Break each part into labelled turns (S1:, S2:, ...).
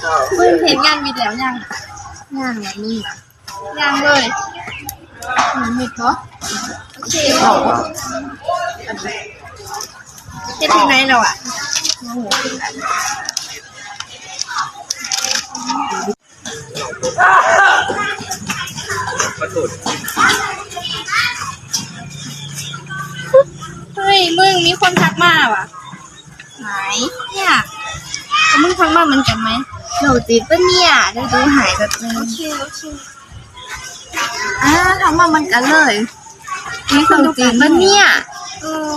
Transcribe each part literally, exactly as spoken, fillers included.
S1: มึงเห็นงานวิดแล้วยังงานแบบนี้นะยังเลยมิดเหรอโอเคเฮ็ดที่ไหนเราอ่ะเฮ้ยมึงมีคนทักมาว่ะไหนเนี่ยแล้วมึงทักมาเหมือนกันไหมโหลดติดปะเนี่ยเดี๋ยวดูหายแบบนึงโอเคโอเคอ่าทักมาเหมือนกันเลยมีคนติดปะเนี่ยเออ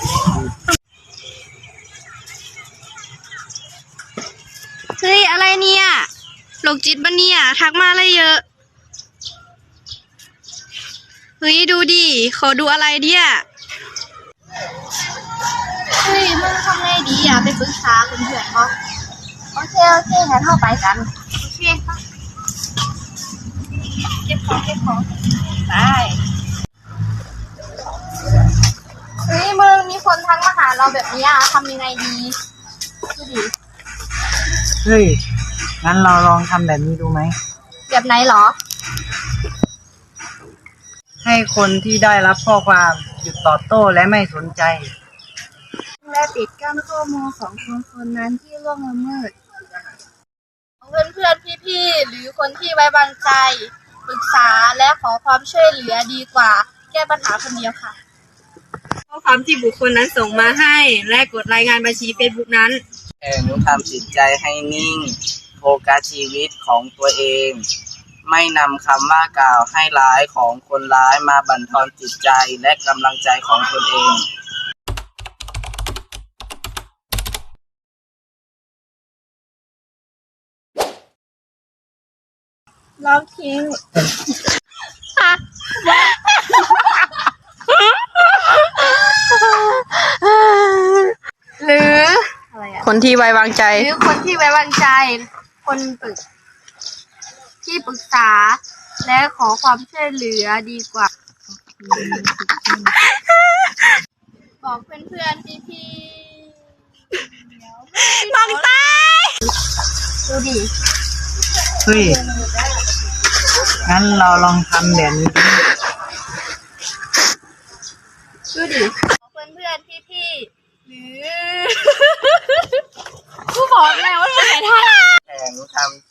S1: เฮ้ยอะไรเนี่ยโรคจิตปะเนี่ยทักมาอะไรเยอะเฮ้ยดูดิขอดูอะไรเนี่ยเฮ้ยมึงทำไงดีอ่ะไปปรึกษาเพื่อนๆเขาโอเคโอเคงั้นเข้าไปกันโอเคค่ะเก็บของเก็บของไปเฮ้ยมึงมีคนทักมาหาเราแบบนี้อ่ะทำยังไงดีดูดิ
S2: เฮ้ยงั้นเราลองทำแบบนี้ดูไหม
S1: แบบไหนหรอ
S2: ให้คนที่ได้รับข้อความหยุดตอบโต้และไม่สนใจ
S1: และปิดกั้นข้อมูลของคนคนนั้นที่ล่วงละเมิดเพื่อนเพื่อนพี่ๆหรือคนที่ไว้วางใจปรึกษาและขอความช่วยเหลือดีกว่าแก้ปัญหาคนเดียวค่ะข้อความที่บุคคลนั้นส่งมาให้และกดรายงานบัญชี Facebook นั้น
S3: แข่งทำจิตใจให้นิ่งโฟกัสชีวิตของตัวเองไม่นำคำว่ากล่าวให้ร้ายของคนร้ายมาบั่นทอนจิตใจและกำลังใจของตนเอง
S1: ลองทิ้งหรือ
S2: คนที่ไว้วางใจ
S1: หรือคนที่ไว้วางใจคนปรึกที่ปรึกษาและขอความช่วยเหลือดีกว่าบอกเพื่อนๆพี่ๆบังตายดูดิ
S2: เฮ้ยงั้นเราลองทำแบบนี้
S1: ดูดิบอกเพื่อนๆพี่ๆหรือกูบอกแล้วว่าไม่ได้
S3: แข่งทำ